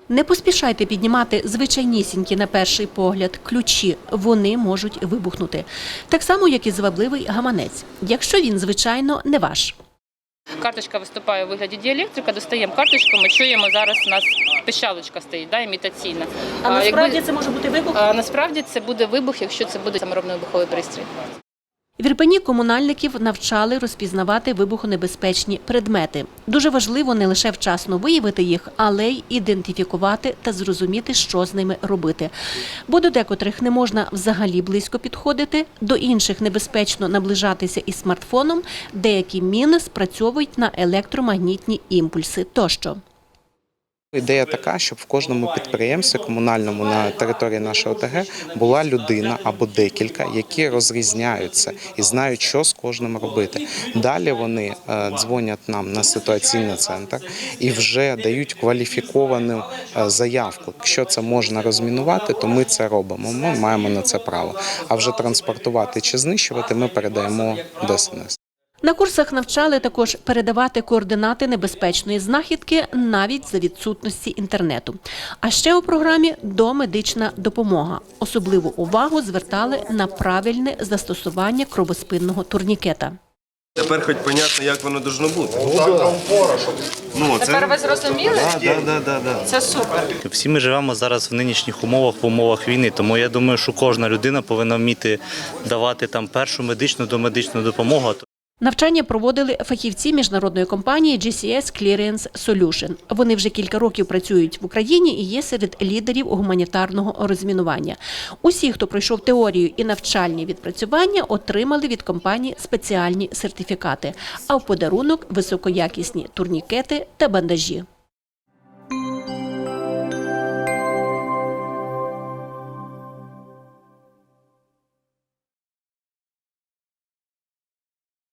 Не поспішайте піднімати звичайнісінькі на перший погляд ключі, вони можуть вибухнути. Так само, як і звабливий гаманець, якщо він, звичайно, не ваш. Карточка виступає у вигляді діелектрика, достаємо карточку, ми чуємо, зараз у нас пищалочка стоїть, імітаційна. А насправді це може бути вибух? Насправді це буде вибух, якщо це буде саморобний вибуховий пристрій. В Ірпені комунальників навчали розпізнавати вибухонебезпечні предмети. Дуже важливо не лише вчасно виявити їх, але й ідентифікувати та зрозуміти, що з ними робити. Бо до декотрих не можна взагалі близько підходити, до інших небезпечно наближатися із смартфоном, деякі міни спрацьовують на електромагнітні імпульси тощо. Ідея така, щоб в кожному підприємстві комунальному на території нашого ОТГ була людина або декілька, які розрізняються і знають, що з кожним робити. Далі вони дзвонять нам на ситуаційний центр і вже дають кваліфіковану заявку. Якщо це можна розмінувати, то ми це робимо, ми маємо на це право. А вже транспортувати чи знищувати ми передаємо ДСНС. На курсах навчали також передавати координати небезпечної знахідки навіть за відсутності інтернету. А ще у програмі домедична допомога. Особливу увагу звертали на правильне застосування кровоспинного турнікета. Тепер хоч понятно, як воно должно бути. Тепер ви зрозуміли? Да. Це супер. Всі ми живемо зараз в нинішніх умовах, в умовах війни, тому я думаю, що кожна людина повинна вміти давати там першу медичну домедичну допомогу. Навчання проводили фахівці міжнародної компанії GCS Clearance Solution. Вони вже кілька років працюють в Україні і є серед лідерів гуманітарного розмінування. Усі, хто пройшов теорію і навчальні відпрацювання, отримали від компанії спеціальні сертифікати, а в подарунок – високоякісні турнікети та бандажі.